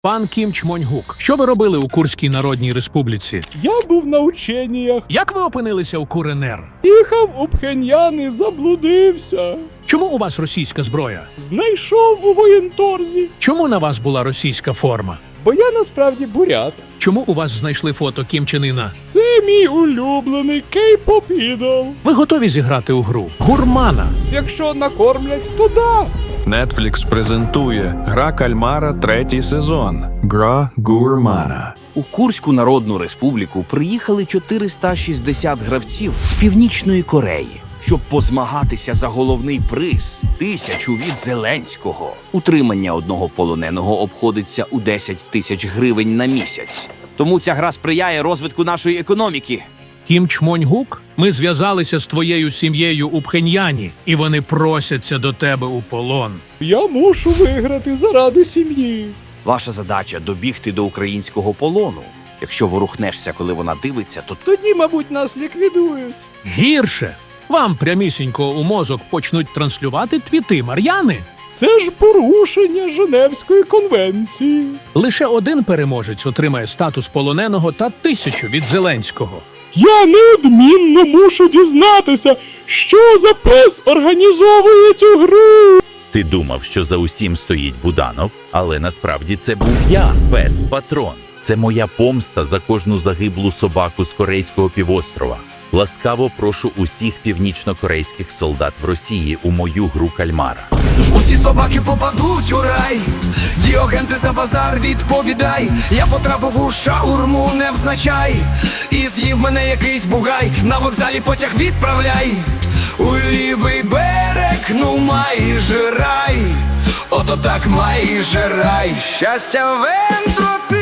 Пан Кім Чмонь-гук, що ви робили у Курській Народній Республіці? Я був на ученнях. Як ви опинилися у КНР? Їхав у Пхеньян і заблудився. Чому у вас російська зброя? Знайшов у воєнторзі. Чому на вас була російська форма? Бо я насправді бурят. Чому у вас знайшли фото Кім Чен Іна? Це мій улюблений кей-поп ідол. Ви готові зіграти у гру Гурмана? Якщо накормлять, то да. Netflix презентує «Гра кальмара» 3-й сезон. Гра Гурмана. У Курську Народну Республіку приїхали 460 гравців з Північної Кореї, щоб позмагатися за головний приз – 1000 від Зеленського. Утримання одного полоненого обходиться у 10 тисяч гривень на місяць. Тому ця гра сприяє розвитку нашої економіки. Кім Чмонь-гук, ми зв'язалися з твоєю сім'єю у Пхеньяні, і вони просяться до тебе у полон. Я мушу виграти заради сім'ї. Ваша задача – добігти до українського полону. Якщо ворухнешся, коли вона дивиться, то Тоді, мабуть, нас ліквідують. Гірше! Вам прямісінько у мозок почнуть транслювати твіти Мар'яни. Це ж порушення Женевської конвенції. Лише один переможець отримає статус полоненого та 1000 від Зеленського. Я неодмінно мушу дізнатися, що за пес організовує цю гру. Ти думав, що за усім стоїть Буданов, але насправді це був я, пес-патрон. Це моя помста за кожну загиблу собаку з Корейського півострова. Ласкаво прошу усіх північно-корейських солдат в Росії у мою гру кальмара. Усі собаки попадуть у рай. Діоген, ти за базар відповідай. Я потрапив у шаурму, невзначай. І з'їв мене якийсь бугай. На вокзалі потяг відправляй. У лівий берег, ну майже рай. Ото так майже рай. Щастя в ентропі.